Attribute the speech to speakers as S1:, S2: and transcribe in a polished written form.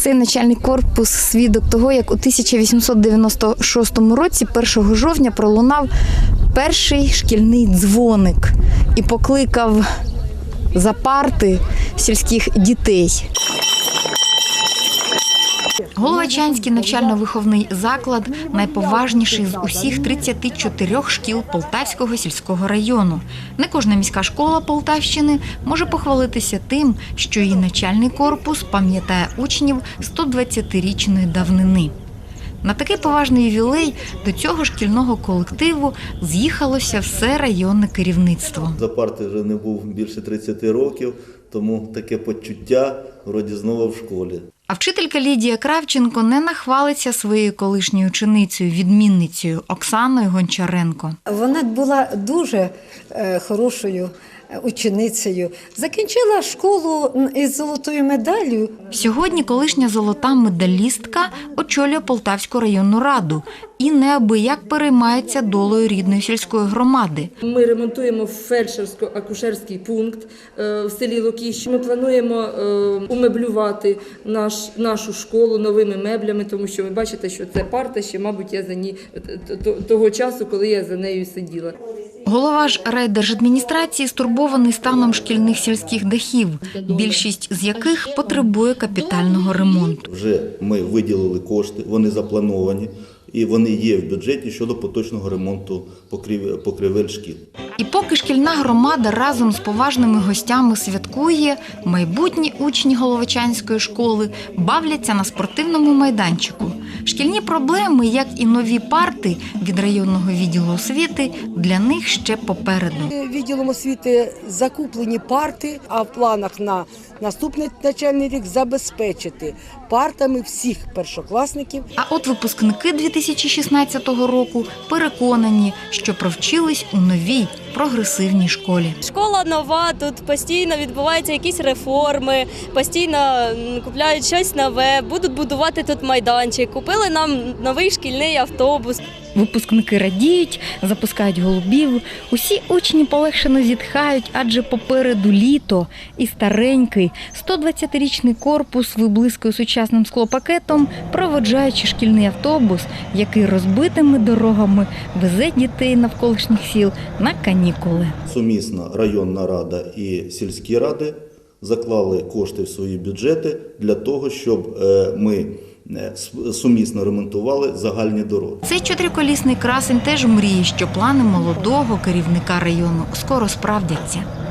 S1: Цей навчальний корпус – свідок того, як у 1896 році 1 жовтня пролунав перший шкільний дзвоник і покликав за парти сільських дітей. Головачанський навчально-виховний заклад – найповажніший з усіх 34 шкіл Полтавського сільського району. Не кожна міська школа Полтавщини може похвалитися тим, що її навчальний корпус пам'ятає учнів 120-річної давнини. На такий поважний ювілей до цього шкільного колективу з'їхалося все районне керівництво.
S2: За парти вже не був більше 30 років, тому таке почуття вроді знову в школі.
S1: А вчителька Лідія Кравченко не нахвалиться своєю колишньою ученицею, відмінницею Оксаною Гончаренко.
S3: Вона була дуже хорошою ученицею. Закінчила школу із золотою медаллю.
S1: Сьогодні колишня золота медалістка очолює Полтавську районну раду і неабияк переймається долею рідної сільської громади.
S4: Ми ремонтуємо фельдшерсько-акушерський пункт в селі Лукіщ. Ми плануємо умеблювати нашу школу новими меблями, тому що ви бачите, що це парта ще, мабуть, я за ній того часу, коли я за нею сиділа.
S1: Голова ж райдержадміністрації стурбований станом шкільних сільських дахів, більшість з яких потребує капітального ремонту.
S2: Вже ми виділили кошти, вони заплановані і вони є в бюджеті щодо поточного ремонту покрівель шкіл.
S1: І поки шкільна громада разом з поважними гостями святкує, майбутні учні Головачанської школи бавляться на спортивному майданчику. Шкільні проблеми, як і нові парти від районного відділу освіти, для них ще попереду.
S5: Відділом освіти закуплені парти, а в планах на наступний навчальний рік забезпечити партами всіх першокласників.
S1: А от випускники 2016 року переконані, що провчились у новій прогресивній школі.
S6: Школа нова, тут постійно відбуваються якісь реформи, постійно купляють щось нове, будуть будувати тут майданчик. Купили нам новий шкільний автобус.
S1: Випускники радіють, запускають голубів. Усі учні полегшено зітхають, адже попереду літо і старенький 120-річний корпус виблискує сучасним склопакетом, проводжаючи шкільний автобус, який розбитими дорогами везе дітей навколишніх сіл на канікули.
S2: Сумісно районна рада і сільські ради заклали кошти в свої бюджети для того, щоб ми сумісно ремонтували загальні дороги.
S1: Цей чотириколісний красень теж мріє, що плани молодого керівника району скоро справдяться.